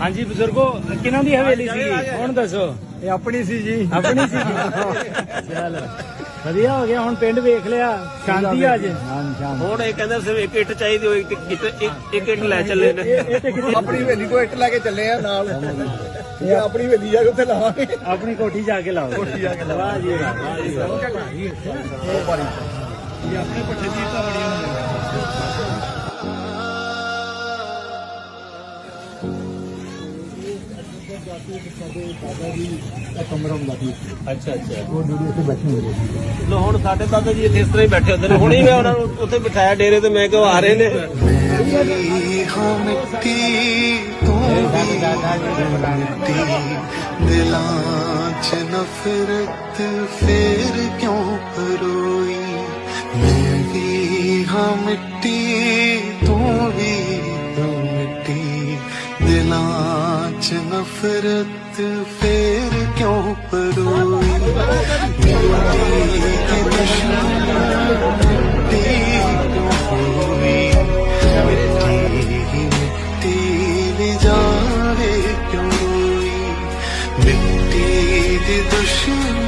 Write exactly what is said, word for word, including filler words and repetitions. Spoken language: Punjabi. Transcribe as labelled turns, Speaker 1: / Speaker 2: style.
Speaker 1: हाँ जी बुजुर्गो किन्हों की हवेली सी हुण दसो
Speaker 2: ये अपनी सी जी
Speaker 1: अपनी सी चलो ਵਧੀਆ ਹੋ ਗਿਆ ਹੁਣ ਪਿੰਡ ਵੇਖ ਲਿਆ ਸ਼ਾਂਤੀ ਅੱਜ
Speaker 3: ਹੁਣ ਇਹ ਕਹਿੰਦਾ ਸਿਰਫ ਇੱਕ ਇੱਟ ਚਾਹੀਦੀ ਹੋਈ ਇੱਕ ਇੱਟ ਲੈ ਚੱਲੇ ਨੇ
Speaker 2: ਆਪਣੀ ਹਵੇਲੀ ਤੋਂ ਇੱਟ ਲੈ ਕੇ ਚੱਲੇ ਆ ਨਾਲ ਇਹ ਆਪਣੀ ਹਵੇਲੀ ਜਾ ਕੇ ਉੱਥੇ ਲਾਵਾਂਗੇ
Speaker 1: ਆਪਣੀ ਕੋਠੀ ਜਾ ਕੇ ਲਾਓ
Speaker 2: ਕੋਠੀ ਜਾ ਕੇ
Speaker 1: ਵਾਹ ਜੀ ਵਾਹ ਵਾਹ ਜੀ ਵਾਹ
Speaker 2: ਇਹ ਆਪਣੇ ਪੱਠੇ ਦੀ ਤਾਂ ਬੜੀਆਂ ਕਮਰਾ ਹੁੰਦਾ ਸੀ
Speaker 3: ਅੱਛਾ ਅੱਛਾ
Speaker 2: ਉਹ ਡੂਡੀ ਉੱਥੇ ਬੈਠੇ ਹੁੰਦੇ ਸੀ
Speaker 3: ਲੋ ਹੁਣ ਸਾਡੇ ਦਾਦਾ ਜੀ ਇੱਥੇ ਇਸ ਤਰ੍ਹਾਂ ਹੀ ਬੈਠੇ ਹੁੰਦੇ ਨੇ ਹੁਣੇ ਮੈਂ ਉਹਨਾਂ ਨੂੰ ਉੱਥੇ ਬਿਠਾਇਆ ਡੇਰੇ ਤੇ ਮੈਂ ਕਿਹਾ ਆ ਰਹੇ ਨੇ
Speaker 4: ਮਿੱਟੀ ਤੂੰ ਦਿਲਾਂ 'ਚ ਨਫ਼ਰਤ ਫੇਰ ਕਿਉਂ ਪਰੋਈ ਮੈਂ ਵੀ ਹਾਂ ਮਿੱਟੀ ਤੂੰ ਵੀ ਮਿੱਟੀ ਦਿਲਾਂ 'ਚ ਨਫ਼ਰਤ ਫੇਰ ਕਿਉਂ ਪਰੋਈ ਮਿੱਟੀ ਕੀ ਦੁਸ਼ਮਣ ਮਿੱਟੀ ਕਿਉਂ ਹੋਈ ਮਿੱਟੀ ਮਿੱਟੀ ਦੀ ਜਾਵੇ ਕਿਉਂ ਰੋਈ ਮਿੱਟੀ ਦੀ ਦੁਸ਼ਮਣ